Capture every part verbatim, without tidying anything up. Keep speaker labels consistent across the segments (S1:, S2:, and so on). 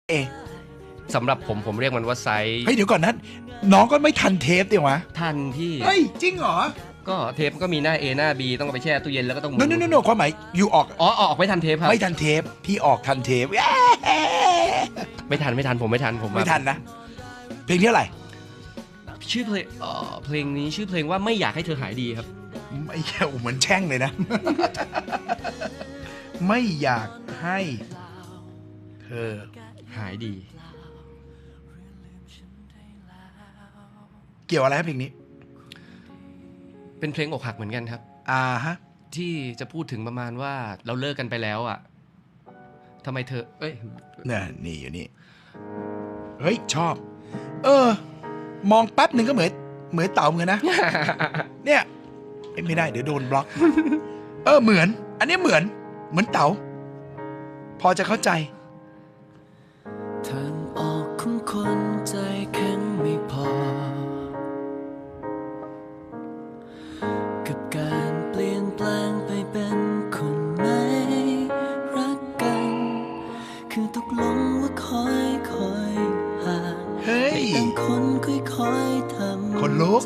S1: เอ
S2: สำหรับผมผมเรียกมันว่าไซส์
S1: เฮ้ยเดี๋ยวก่อนนะน้องก็ไม่ทันเทปดิวะ
S2: ทันพี่
S1: เฮ้ยจริงเหรอ
S2: ก็เทปก็มีหน้า A หน้า B ต้องเอาไปแช่ตู้เย็นแล้วก็ต้อง
S1: โนโนโนโนความหมายอยู่ออก
S2: อ๋อออกไม่ทันเทปครับ
S1: ไม่ทันเทปพี่ออกทันเทป
S2: ไม่ทันไม่ทันผมไม่ทันผม
S1: ไม่ทันนะเพลงที่อะไร
S2: ชื่อเพลงเอ่อเพลงนี้ชื่อเพลงว่าไม่อยากให้เธอหายดีครับ
S1: ไม่แค่เหมือนแช่งเลยนะไม่อยากให้เธอ
S2: หายดี
S1: เกี่ยวอะไรครับเพลงนี้
S2: เป็นเพลงอกหักเหมือนกันครับ
S1: อ่าฮะ
S2: ที่จะพูดถึงประมาณว่าเราเลิกกันไปแล้วอ่ะทำไมเธอเอ้ย
S1: เนี่ยนี่อยู่นี่เฮ้ยชอบเออมองแป๊บหนึ่งก็เหมือนเหมือนเต่าเหมือนนะเนี่ยไม่ได้เดี๋ยวโดนบล็อกเออเหมือนอันนี้เหมือนเหมือนเต่าพอจะเข้าใจ
S3: ทางออกของคนใจแข็งไม่พอกับการเปลี่ยนแปลงไปเป็นคนไม่รักกันคือตกลงว่าคอยคอยห่าง
S1: ให้
S3: ต่างคนค่อยๆทำ
S1: คนลุก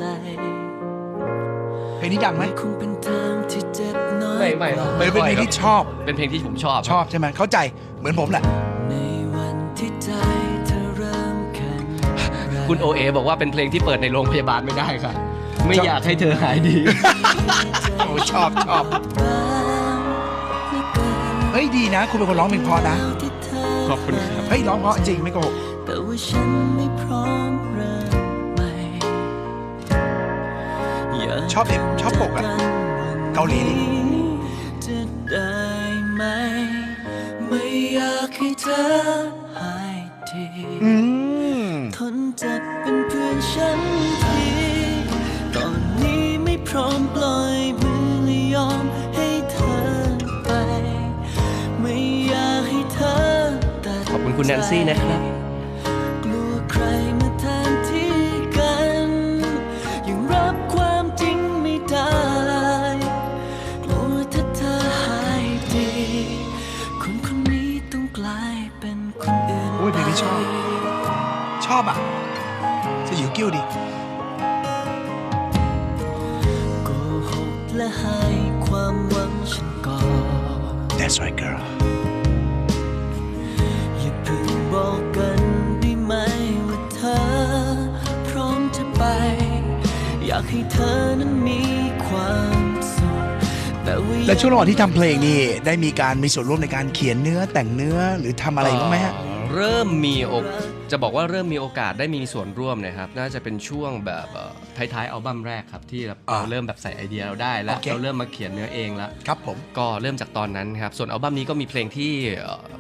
S1: เพลงนี้ดังไหม
S3: คงเป็นทางที่เจ็บน้อย
S2: ไม่ไม่หรอก
S1: เป็นเพลงที่ชอบ
S2: เป็นเพลงที่ผมชอบ
S1: ชอบใช่ไหมเข้าใจเหมือนผมแหละ
S3: ในวันที่ใจเธอเริ่มแข็ง
S2: คุณโอเอบอกว่าเป็นเพลงที่เปิดในโรงพยาบาลไม่ได้ค่ะไม่อยากให้เธอหายดี
S1: โอ้ชอบชอบเฮ้ยดีนะคุณเป็นคนร้องเพลงเพราะนะ
S2: ขอบคุณครับ
S1: เฮ้ยร้องเพราะจริงไม่โกหก
S3: แต่ว่าฉันไม่พร้อมเริ่มใหม่
S1: ชอบเอ็มชอบปกอะเกาหลีนี่
S3: จะได้ไหมไม่อยากให้เธอหายทีทนจัดเป็นเพื่อนฉันทีตอนนี้ไม่พร้อมปล่อยมือและยอมให้เธอไปไม่อยากให้เธอตัด
S2: ขอบคุณคุณแนนซี่นะครับ
S3: กลัวใครมาแทนที่กันยังรับความจริงไม่ได้กลัวถ้าเธอหายดีคนคนนี้ต้องกลายเป็นคนอื่น
S1: โอ้ยเพลงนี้ชอบชอบอ่ะจะอยู่กิ้วดิ
S3: โกหกและให้ความหวังฉันก่อน
S1: That's right girl
S3: อย่าเพิ่งบอกกันได้ไหมว่าเธอพร้อมจะไปอยากให้เธอนั้นมีความสุขแต่ว่า
S1: และช่วงระหว่างที่ทำเพลงนี่ได้มีการมีส่วนร่วมในการเขียนเนื้อแต่งเนื้อหรือทำอะไรบ้างไหมฮะ
S2: เริ่มมีโอกจะบอกว่าเริ่มมีโอกาสได้มีส่วนร่วมนะครับน่าจะเป็นช่วงแบบท้ายๆอัลบั้มแรกครับที่เราเริ่มแบบใส่ไอเดียเราได้แล้วเราเริ่มมาเขียนเนื้อเองแล้ว
S1: ครับผม
S2: ก็เริ่มจากตอนนั้นครับส่วนอัลบั้มนี้ก็มีเพลงที่